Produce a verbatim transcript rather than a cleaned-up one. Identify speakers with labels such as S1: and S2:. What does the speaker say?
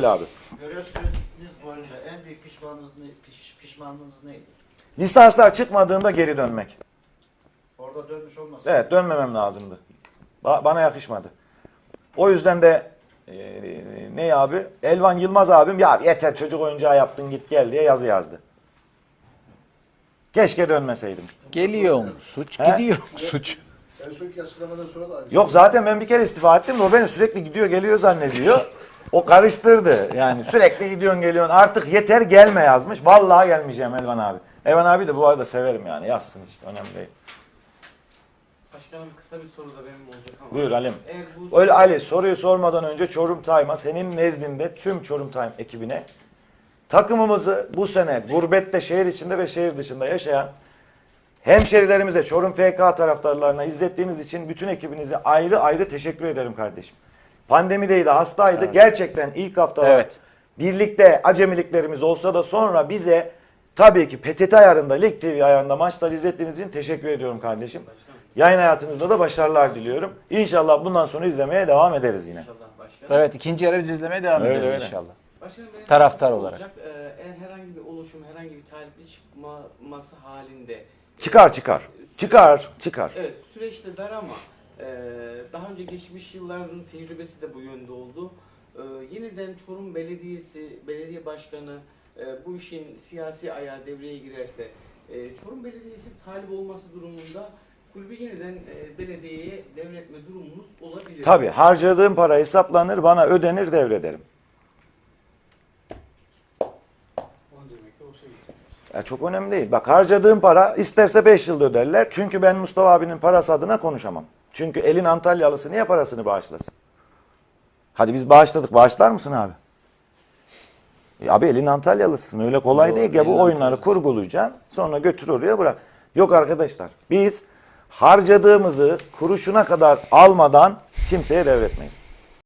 S1: Söyle abi.
S2: Görev süreniz boyunca en büyük pişmanlığınız, ne, piş, pişmanlığınız neydi?
S1: Lisanslar çıkmadığında geri dönmek.
S2: Orada dönmüş olmasın.
S1: Evet, dönmemem lazımdı. Ba bana yakışmadı. O yüzden de e, ne abi? Elvan Yılmaz abim ya yeter çocuk oyuncağı yaptın git gel diye yazı yazdı. Keşke dönmeseydim.
S3: Geliyor mu suç?
S1: He?
S3: Gidiyor mu suç?
S4: En sonki açıklamadan sonra da aynı
S1: Yok zaten ben bir kere istifa ettim de o beni sürekli gidiyor geliyor zannediyor. O karıştırdı. Yani sürekli gidiyorsun geliyorsun. Artık yeter gelme yazmış. Vallahi gelmeyeceğim Elvan abi. Elvan abi de bu arada severim yani. Yazsın hiç önemli değil.
S5: Başkanım kısa bir soru da benim olacak ama.
S1: Buyur Halim.
S5: Eğer bu
S1: Öyle Ali soruyu sormadan önce Çorum Time'a senin nezdinde tüm Çorum Time ekibine takımımızı bu sene gurbette şehir içinde ve şehir dışında yaşayan hemşerilerimize, Çorum F K taraftarlarına izlettiğiniz için bütün ekibinize ayrı ayrı teşekkür ederim kardeşim. Pandemideydi, hastaydı.
S3: Evet.
S1: Gerçekten ilk haftalar
S3: Evet.
S1: birlikte acemiliklerimiz olsa da sonra bize tabii ki P T T ayarında, Lig T V ayarında maçları izlettiğiniz için teşekkür ediyorum kardeşim.
S5: başkanım,
S1: Yayın hayatınızda da başarılar diliyorum. İnşallah bundan sonra izlemeye devam ederiz yine.
S5: inşallah başkanım.
S3: Evet, ikinci yarı biz izlemeye devam
S1: Öyle,
S3: ederiz
S1: öyle.
S3: inşallah.
S5: Başkanım benim
S3: Taraftar
S5: sorum
S3: olarak.
S5: olacak. Ee, eğer herhangi bir oluşum, herhangi bir talipli çıkması halinde
S1: Çıkar çıkar. Çıkar çıkar.
S5: evet süreçte dar ama e, daha önce geçmiş yılların tecrübesi de bu yönde oldu. E, yeniden Çorum Belediyesi, belediye başkanı e, bu işin siyasi ayağı devreye girerse e, Çorum Belediyesi talip olması durumunda kulübü yeniden e, belediyeye devretme durumumuz olabilir.
S1: Tabii harcadığım para hesaplanır, bana ödenir, devrederim.
S4: Onca emekle o şey gidecek.
S1: Ya çok önemli değil. Bak harcadığım para isterse beş yılda öderler. Çünkü ben Mustafa abinin parası adına konuşamam. Çünkü elin Antalyalısı niye parasını bağışlasın? Hadi biz bağışladık. Bağışlar mısın abi? E abi elin Antalyalısın. Öyle kolay
S3: Doğru,
S1: değil ki. Bu
S3: elin
S1: oyunları
S3: Antalyalısı.
S1: kurgulayacaksın. Sonra götür oraya bırak. Yok arkadaşlar. Biz harcadığımızı kuruşuna kadar almadan kimseye devretmeyiz.